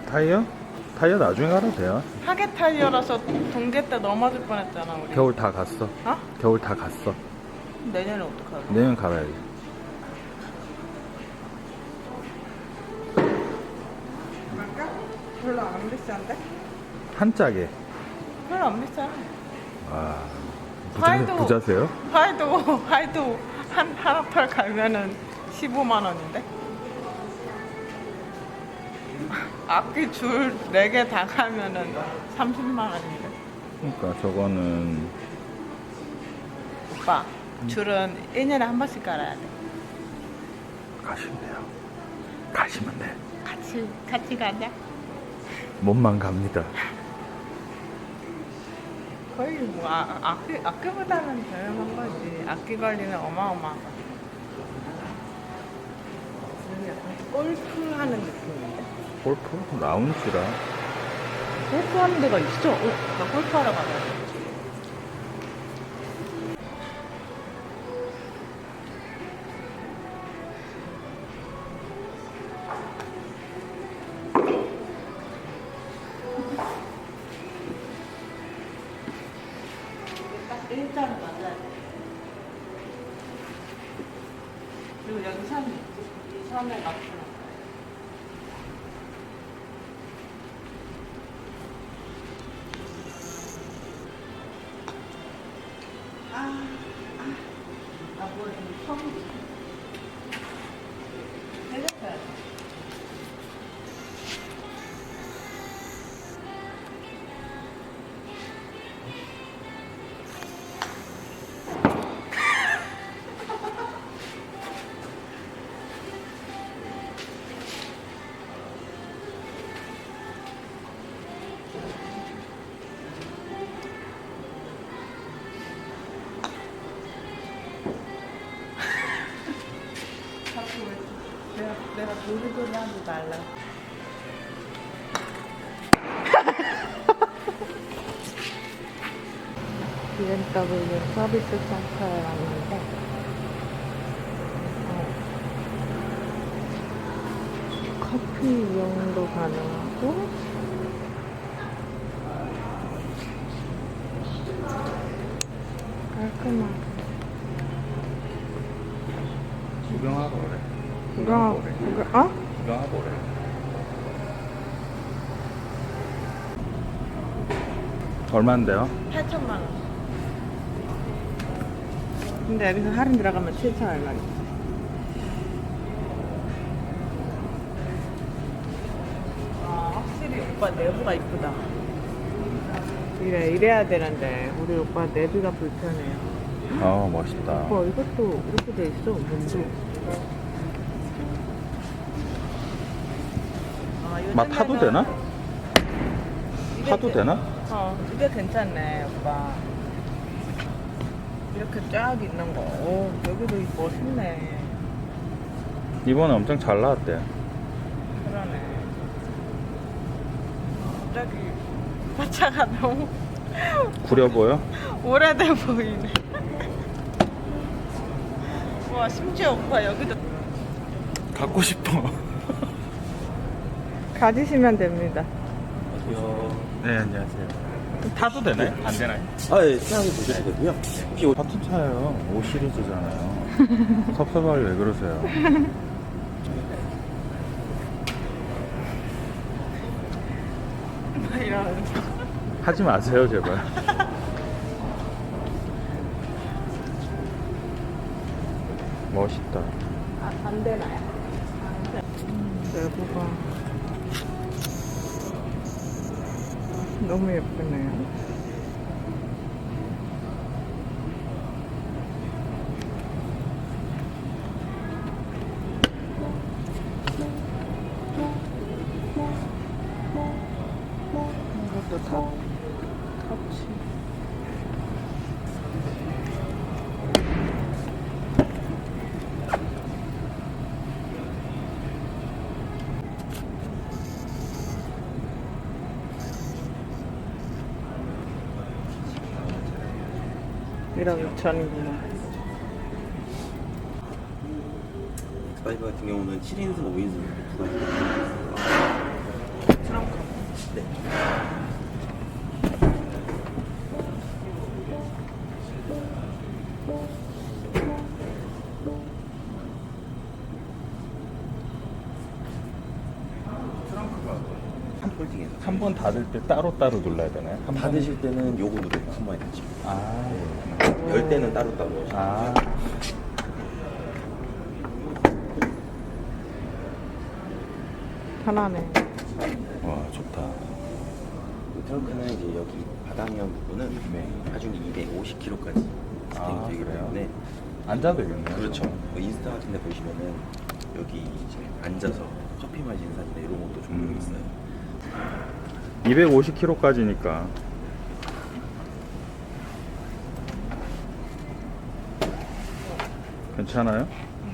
타이어? 타이어 나중에 갈아도 돼요. 하계 타이어라서 동계 때 넘어질 뻔했잖아 우리. 겨울 다 갔어. 어? 겨울 다 갔어. 내년에 어떡하지? 내년 갈아야지. 갈까? 별로 안 비싼데? 한 짝에. 별로 안 비싸. 와. 하이도. 부자세요? 하이도 하나 털 가면은 15만 원인데? 악기 줄 4개 다 가면은 30만 원인데? 그러니까 저거는 오빠, 줄은 1년에 한 번씩 깔아야 돼. 가시면 돼요. 가시면 돼. 같이 가자. 몸만 갑니다. 거의 뭐 악기보다는 저렴한 거지. 악기 관리는 어마어마하다. 약간 골프 하는 느낌인데? 골프? 라운지라. 골프 하는 데가 있어? 나 골프 하러 가자. 딱 일자로 맞아야 돼. 그리고 여기 선, 이 선에 맞춰. 뭐래, 처음 해줬어야 돼. 내가 도리도리 하지 말라. BMW 서비스 센터에 왔는데 커피 이용도 가능하고 깔끔하게 구경하고 그래. 구경하고 구경하고 그래. 얼마인데요? 8천만 원. 근데 여기서 할인 들어가면 7천 얼마지? 확실히 오빠 내부가 이쁘다. 이래야 되는데 우리 오빠 내비가 불편해요. 멋있다. 이것도 이렇게 돼 있어. 문도. 맛 타도 되나? 타도 되나? 이게 괜찮네, 오빠. 이렇게 쫙 있는 거. 여기도 멋있네. 이번에 엄청 잘 나왔대. 그러네. 갑자기 화차가 너무 구려 보여? 오래돼 보이네. 와, 심지어 오빠 여기도 갖고 싶어. 가지시면 됩니다. 네, 안녕하세요. 타도 되나요? 안 되나요? 예, 생각해 보셔도 되고요. 같은 차예요. 5 시리즈잖아요. 섭섭하게 왜 그러세요? 이러면서. 하지 마세요, 제발. 멋있다. 안 되나요? 내부가 너무 예쁘네요. 이것도 다 터치. 이런 전이구나. X5 같은 경우는 7인승, 5인승 두 가지. 네. 한 폴딩에서 한 번 닫을 때 따로따로 눌러야 되나요? 한 번? 닫으실 때는 요거 누르고 한 번에 닫죠. 아, 열 때는 따로따로. 아. 편하네. 와, 좋다. 이 트렁크는 이제 여기 바닥면 부분은 네. 하중이 250kg까지 아, 되기 그래요? 때문에 앉아도 되겠네요. 그렇죠. 뭐 인스타 같은 데 보시면은 여기 이제 앉아서 커피 마시는 사진이나 이런 것도 종종 있어요. 250kg까지니까. 괜찮아요?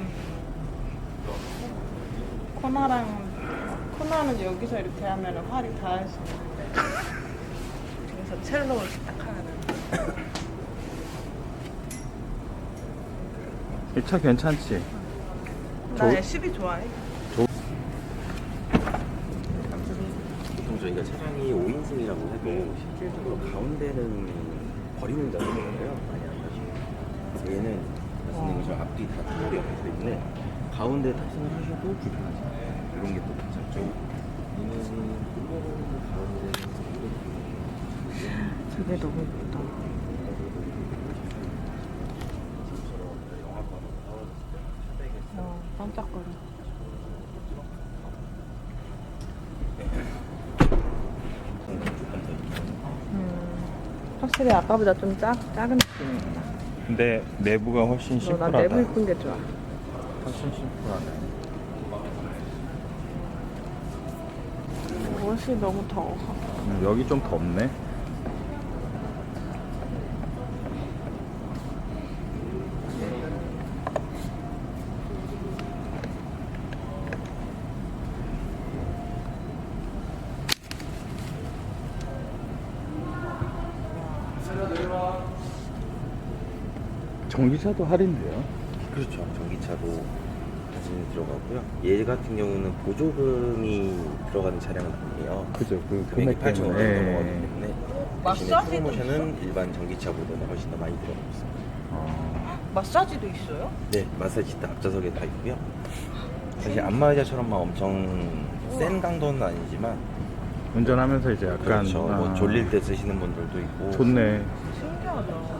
코너는 여기서 이렇게 하면 활이 닿을 수 있는데 그래서 첼로 이렇게 딱 하면은 이 차 괜찮지? 나 SUV 좋아해. 보통 저희가 차량이 5인승이라고 해도 실질적으로 가운데는 버리는 자세거든요. 많이 안 가시고 얘는 말씀드린 것처럼 앞뒤 다 타월이 없기 때문에 가운데 탑승을 하셔도 불편하지 않아요. 이런 게 또 괜찮죠. 얘는 가운데 저게 너무 예쁘다. 반짝거려. 확실히 아까보다 좀 작은 느낌이다. 근데 내부가 훨씬 나 심플하다. 내부 이쁜 게 좋아. 훨씬 심플하네. 옷이 너무 더워. 여기 좀 덥네. 전기차도 할인돼요. 그렇죠. 전기차도 사진이 들어가고요. 얘 같은 경우는 보조금이 들어가는 차량은 아니에요. 그죠? 그 금액이 금액 8,500원 때문에. 넘어가기 때문에 대신에 마사지도 프로모션은 일반 전기차보다는 훨씬 더 많이 들어가고 있어요. 마사지도 있어요? 네, 마사지 다 앞좌석에 다 있고요. 사실 안마의자처럼 엄청 센 강도는 아니지만 운전하면서 이제 약간 그렇죠. 뭐 졸릴 때 쓰시는 분들도 있고. 좋네. 신기하다.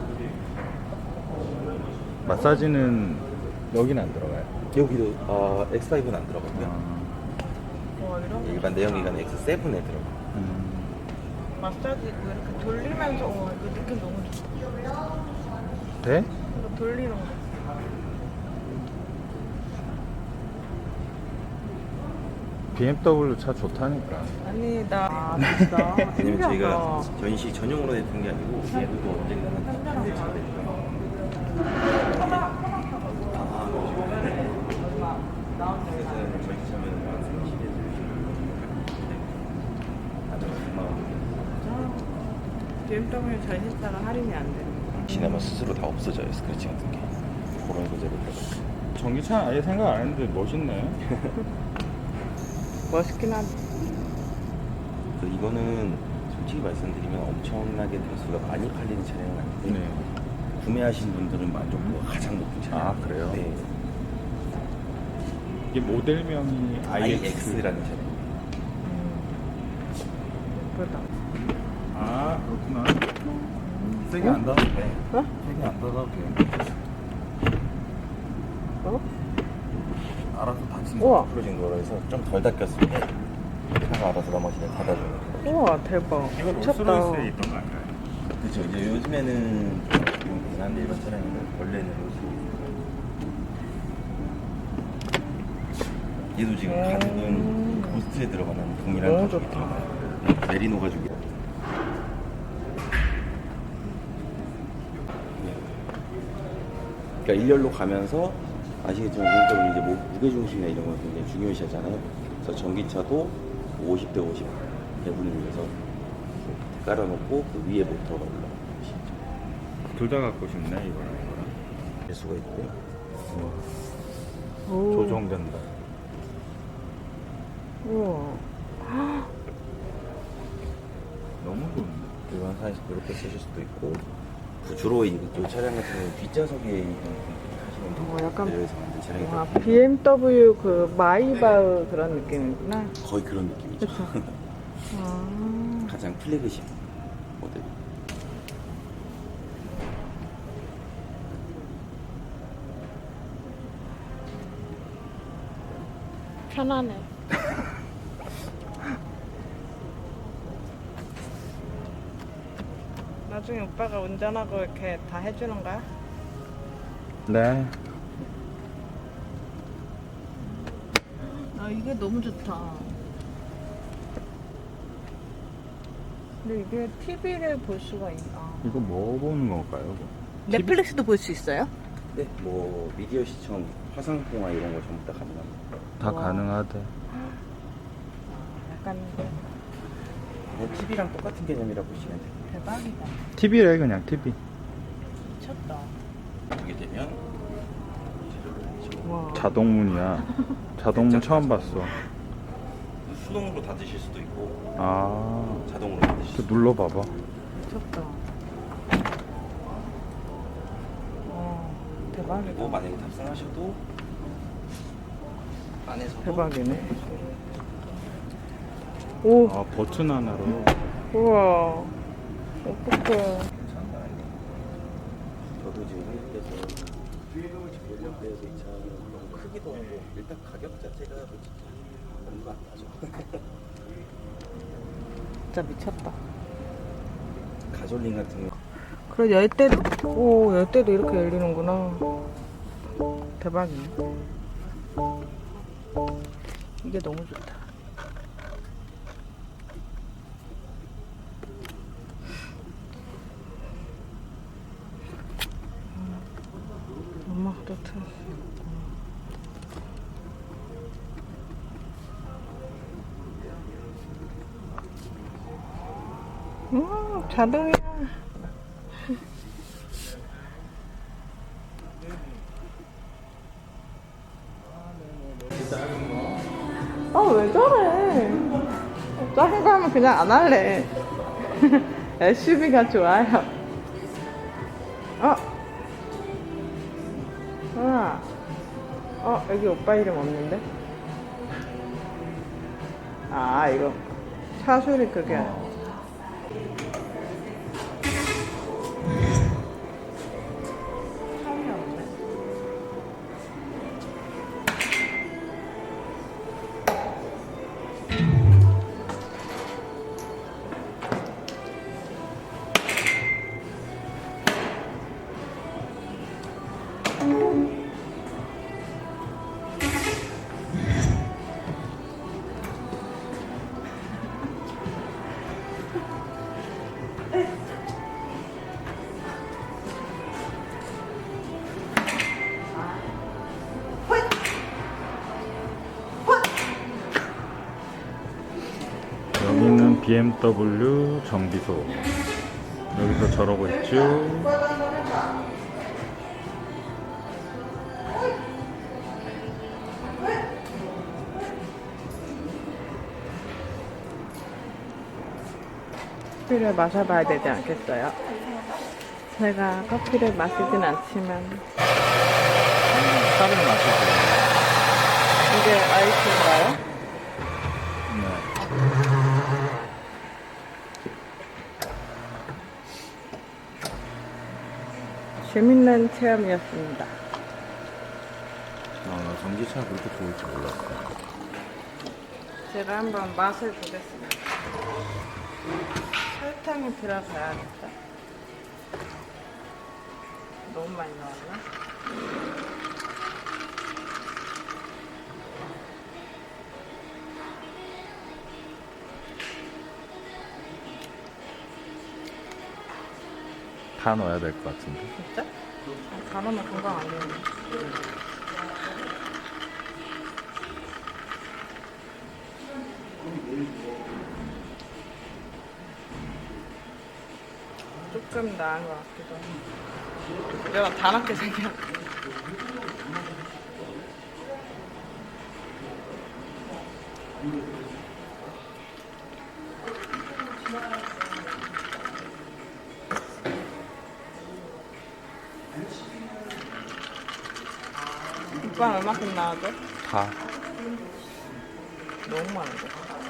마사지는 여기는 안 들어가요. 여기도 X5는 안 들어가고요. 와, 이런 일반 내연기관 X7에 들어가요. 마사지 이렇게 돌리면서 이거 느낌 너무 좋다. 돼? 이거 돌리는 거. BMW 차 좋다니까. 아니 나 진짜 왜냐면 저희가 신기하다. 전시 전용으로 내는 게 아니고 얘도 언젠가는 현대 차가 되니까. 그래서 저희 차면 한 30에 아주 BMW 전신차가 할인이 안 돼. 지나면 스스로 다 없어져요. 스크래치 같은 게. 그런 소재로 들어가요. 전기차 아예 생각 안 했는데 멋있네. 멋있긴 하지. 그래서 이거는 솔직히 말씀드리면 엄청나게 대수가 많이 팔리는 차량은 아닌데 네. 구매하신 분들은 만족도가 가장 높은 차량. 아, 그래요? 네. 이게 모델명이 IX라는 차량. 예쁘다. 아, 그렇구나. 세게 안 닫아도 돼. 어? 세게 안 닫아도 돼. 어? 알아서 닫힌다. 우와. 풀어진 거라서 좀 덜 닦였을 때 차가 알아서 나머지는 닫아줘요. 우와 대박. 이거 미쳤다. 롤스로이스에 있던 거 아닌가요? 그렇죠. 이제 요즘에는 좀 이상한데 일반 차량에는 원래는 얘도 지금 가죽은 고스트에 들어가는 동일한 너무 가죽이 좋다. 들어가요. 메리노 가죽이. 그러니까 일렬로 가면서 아시겠지만 개인적으로 이제 무게 중심이나 이런 걸 굉장히 중요시하잖아요. 그래서 전기차도 50대 50 배분을 위해서 깔아놓고 그 위에 모터가 올라가시죠. 둘 다 갖고 싶네, 이거랑 이거랑. 배수가 있고요. 오. 조정된다. 우와. 이렇게 쓰실 수도 있고 주로 이 차량 같은 경우는 뒷좌석에 하시는 분들 약간 내려서 만든 차량이 와, 있거든요. BMW 그 마이바흐 그런 느낌이구나. 거의 그런 느낌이죠. 아, 가장 플래그십 모델. 편하네. 나중에 오빠가 운전하고 이렇게 다 해주는 거야? 네. 아, 이게 너무 좋다. 근데 이게 TV를 볼 수가 있나? 이거 뭐 보는 건가요? 넷플릭스도 볼 수 있어요? 네, 뭐 미디어 시청, 화상 통화 이런 거 전부 다 가능합니다. 다 와. 가능하대. 약간 TV랑 똑같은 개념이라 보시면 돼요. 대박이다. TV래 그냥 TV. 미쳤다. 보게 되면 와. 자동문이야. 자동문 처음 봤어. 수동으로 닫으실 수도 있고 아, 자동으로 닫으실 수도 또 눌러봐봐. 미쳤다. 와, 대박이다. 있고 만약에 탑승하셔도 안에서도 대박이네. 오, 아, 버튼 하나로. 우와. 어떡해. 괜찮은 거 아니에요? 저도 지금 한국에서 연령대에서 이 차는 너무 크기도 하고 일단 가격 자체가 솔직히 얼마 안 나죠. 진짜 미쳤다. 가솔린 같은 거 그래, 열대도, 오, 열대도 이렇게 열리는구나. 대박이네. 이게 너무 좋다. 엄마도 틀었어. 자동이야. 아, 왜 저래? 작은 거 하면 그냥 안 할래. SUV가 좋아요. 여기 오빠 이름 없는데? 아, 이거. 차소리 그게. 차이 없네. 여기는 BMW 정비소. 여기서 저러고 있죠. 커피를 마셔봐야 되지 않겠어요? 제가 커피를 마시진 않지만 차를 마시고. 이게 아이스인가요? 네. 재밌는 체험이었습니다. 나 전기차 그렇게 좋을 줄 몰랐어. 제가 한번 맛을 보겠습니다. 설탕이 들어가야겠다. 너무 많이 넣었나? 다 넣어야 될 것 같은데. 진짜? 가면 금방 안 되는데. 조금 나은 것 같기도 하고. 내가 다 낮게 생겨. 오빠 얼마큼 나와줘? 다. 너무 많은데?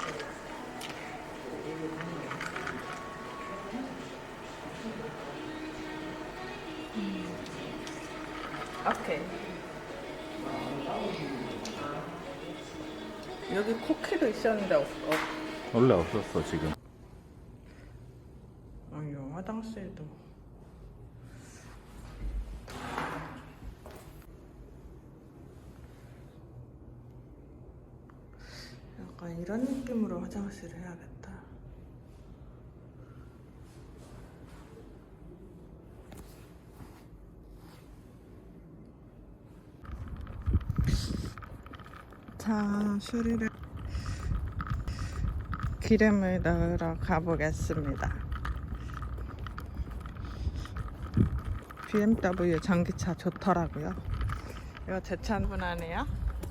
오케이. 여기 쿠키도 있었는데 원래 없었어 지금. 아유, 화장실도. 약간 이런 느낌으로 화장실을 해야겠다. 자, 슈리를 기름을 넣으러 가보겠습니다. BMW 전기차 좋더라고요. 이거 제 차분 아니에요?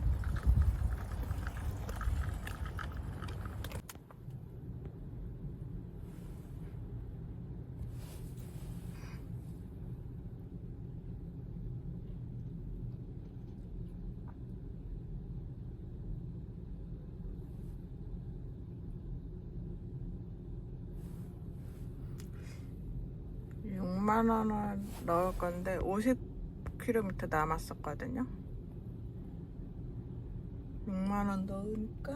(6만 원을) 넣을 건데 50km 남았었거든요. 6만 원 넣으니까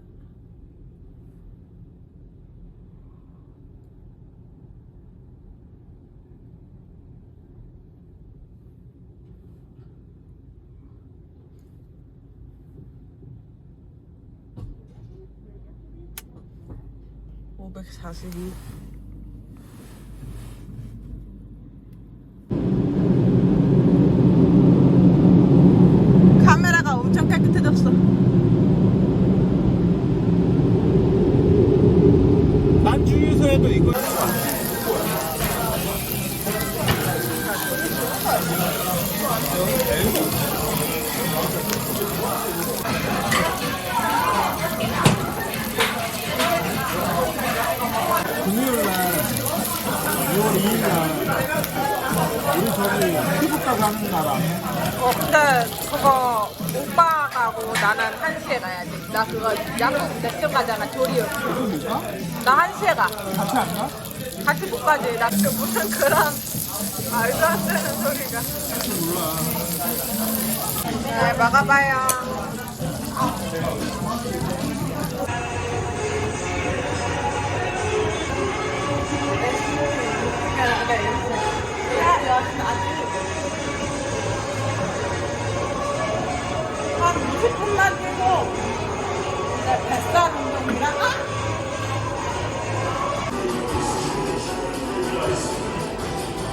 (542) 카메라가 엄청 깨끗해졌어. 난 주유소에도 이거. 금요일날 6월 2일날 우리 저기 피부과 가는 날 아니야? 근데 그거 오빠 가고 나는 1시에 가야지. 나 그거 약국 몇점 가잖아, 조리요. 나 1시에 가. 같이 안 가? 같이 못 가지. 나 무슨 그런 말도 안 되는 소리가. 네, 먹어봐요. 한 20분만 뛰고 뱃살 운동이랑